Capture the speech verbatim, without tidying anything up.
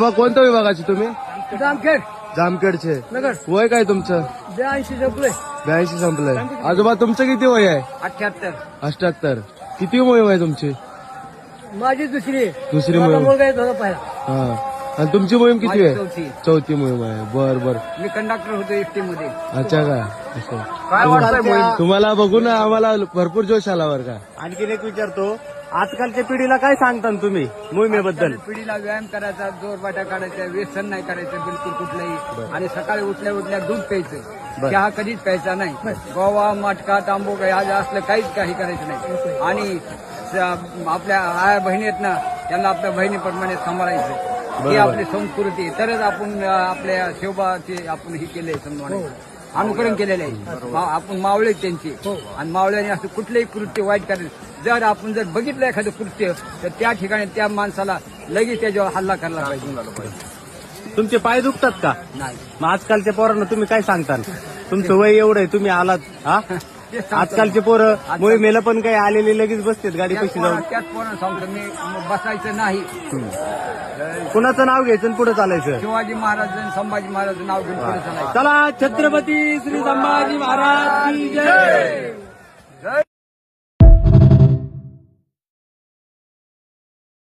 बाबा कोणत्या विभागाचे तुम्ही? जामखेड जामखेडचे. नगर. वय काय तुमचं? ब्याऐंशी जपले. ब्याऐंशी संपलंय. आजोबा तुमचं किती वय आहे? अठ्याहत्तर. अष्ट्याहत्तर. किती मोहीम आहे तुमची? माझी दुसरी. दुसरी माझा मोहीम. मुलगा येत होता पहिला. हा. आणि तुमची मोहीम किती माझी आहे? चौथी. चौथी मोहीम आहे. बर बर. मी कंडक्टर होतो एसटी मध्ये. अच्छा का असं. काय वाटतंय मोहीम? तुम्हाला बघून आम्हाला भरपूर जोश आला बरं का. आणखीन एक विचारतो, आजकालच्या पिढीला काय सांगता तुम्ही मोहिमेबद्दल? पिढीला व्यायाम करायचा, जोरबाटा काढायचा, व्यसन नाही करायचं बिलकुल कुठलंही. आणि सकाळी उठल्या उठल्या दूध प्यायचं, चहा कधीच प्यायचा नाही. गोवा मटका तांबू काही आज असलं काहीच काही करायचं नाही. आणि स- आपल्या आया बहिणी आहेत ना, त्यांना आपल्या बहिणीप्रमाणे सांभाळायचं. ही आपली संस्कृती. तरच आपण अं, आपल्या शिवबाचे आपण हे केले समजा अनुकरण केलेले आहे. मा- आपण मावळे त्यांची. आणि मावळ्याने असं कुठलंही कृत्य वाईट करायचं. जर आपण जर बघितलं एखादं कृत्य तर त्या ठिकाणी त्या माणसाला लगेच त्याच्यावर हल्ला करायला पाहिजे. तुमचे पाय दुखतात का? नाही मग आजकालच्या पोरांना तुम्ही काय सांगता? तुमचं वय एवढं आहे, तुम्ही आलात हा? ते सांगतो. आजकालचे पोरं मोहिमेला पण काही आलेले लगेच बसतात गाडी त्याच पैसे जाऊन. पोरांना- त्याच पोरांना सांगतो मी, बसायचं नाही. कुणाचं नाव घ्यायचं आणि पुढे चालायचं. शिवाजी महाराज आणि संभाजी महाराज नाव घेऊन पुढे चालायचं. चला, छत्रपती श्री संभाजी महाराज की जय.